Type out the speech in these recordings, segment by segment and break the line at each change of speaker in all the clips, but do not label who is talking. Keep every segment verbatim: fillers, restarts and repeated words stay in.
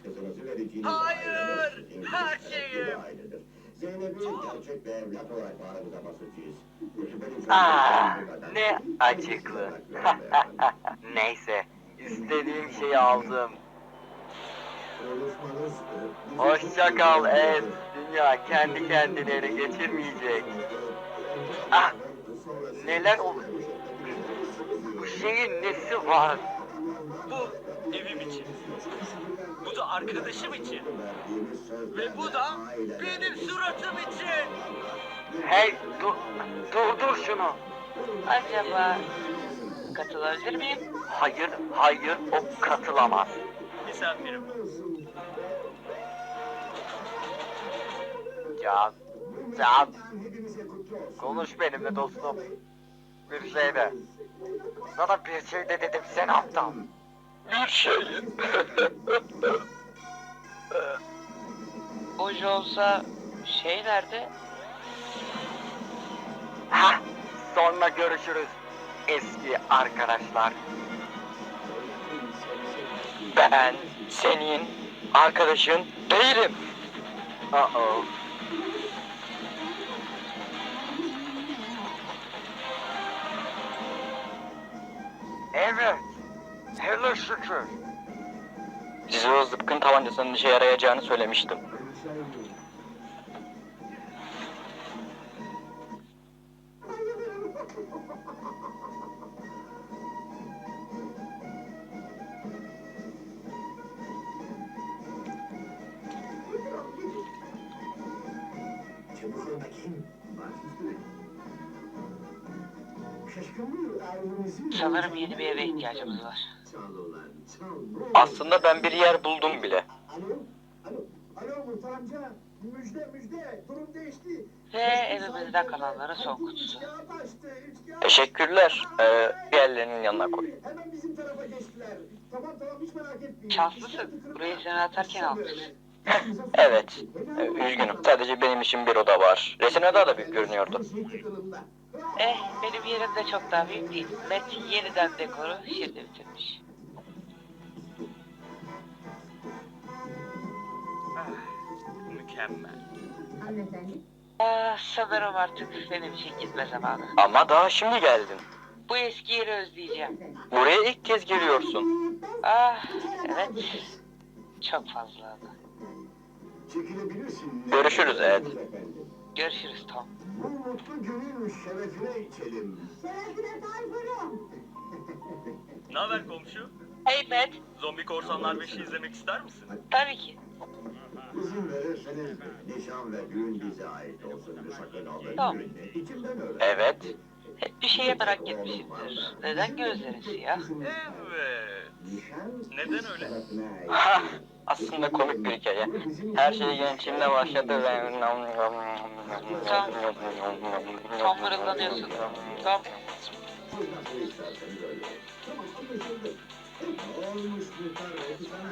kızınızı vereceğiniz
Hayır,
ailenin
her
şerefli
şeyim.
bir ailedir. Zeynep'i gerçek bir evlat olarak bağrımıza basacağız.
Ah, ne acıklı. Neyse, istediğim şeyi aldım. Hoşça kal Ed. Dünya kendi kendini ele geçirmeyecek. Ah, neler olur? Bu şeyin nesi var?
Bu evim için. Bu da arkadaşım için. Ve bu da benim suratım için.
Hey, dur, durdur şunu.
Acaba katılabilir miyim?
Hayır, hayır, o katılamaz.
Misafirim.
Can, Can, konuş benimle dostum. Bir şey de. Sana bir şey de dedim, sen aptal. Bir şey.
Hoca olsa şey nerede?
Ha, sonra görüşürüz eski arkadaşlar. Ben senin arkadaşın değilim. Uh-oh. Evet. Hele şükür. Size o zıpkın tabancasının işe yarayacağını söylemiştim.
Çabuk ol bakayım. Baş üstüne. Şaşkınlığı ailemizin...
Sanırım yeni bir eve ihtiyacımız var.
Çal ulan, çal.
Aslında ben bir yer buldum bile.
Alo, alo, alo Muhtar amca. Müjde, müjde. Durum değişti.
Ve evimizde kalanların son kutusu.
Teşekkürler. Ee, diğerlerinin yanına koy.
Hemen bizim tarafa geçtiler. Tamam tamam hiç merak etmeyin.
Şanslısın. Burayı sen atarken almışsın.
Evet. Ee, üzgünüm. Sadece benim için bir oda var. Resim oda da büyük görünüyordu.
Eh, benim yerim de çok daha büyük değil. Met yeniden dekoru şimdi bitirmiş.
Ah, mükemmel.
Hanımefendi.
Ah, sanırım artık benim için gitme zamanı.
Ama daha şimdi geldin.
Bu eski yeri özleyeceğim.
Buraya ilk kez geliyorsun.
Ah, evet. Çok fazla ama.
Çekilebilirsin.
Görüşürüz Ed.
Görüşürüz Tom.
Bu mutlu günün şerefine içelim.
Şerefine Tayfun'um.
Ne haber komşu?
Hey Matt,
Zombi Korsanlar beşi izlemek ister misin?
tabii ki.
İzin verirseniz nişan ve düğün bize ait olsun. Sakın alın.
Tamam.
İçimden öyle.
Evet.
Hep bir şeye merak etmişimdir. Neden gözlerin siyah?
Evet.
Nişan
Neden öyle?
Ha, aslında komik bir hikaye. Her şey gençliğimde başladı ve...
Tom, Tom mırıldanıyorsun. Tom,
Nasıl isterseniz öyle. Tamam anlaşıldı. Olmuş muhtar oldu sana.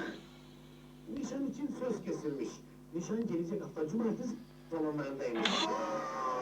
Nişan için söz kesilmiş. Nişan gelecek hafta cumartesi salonlarındaymış.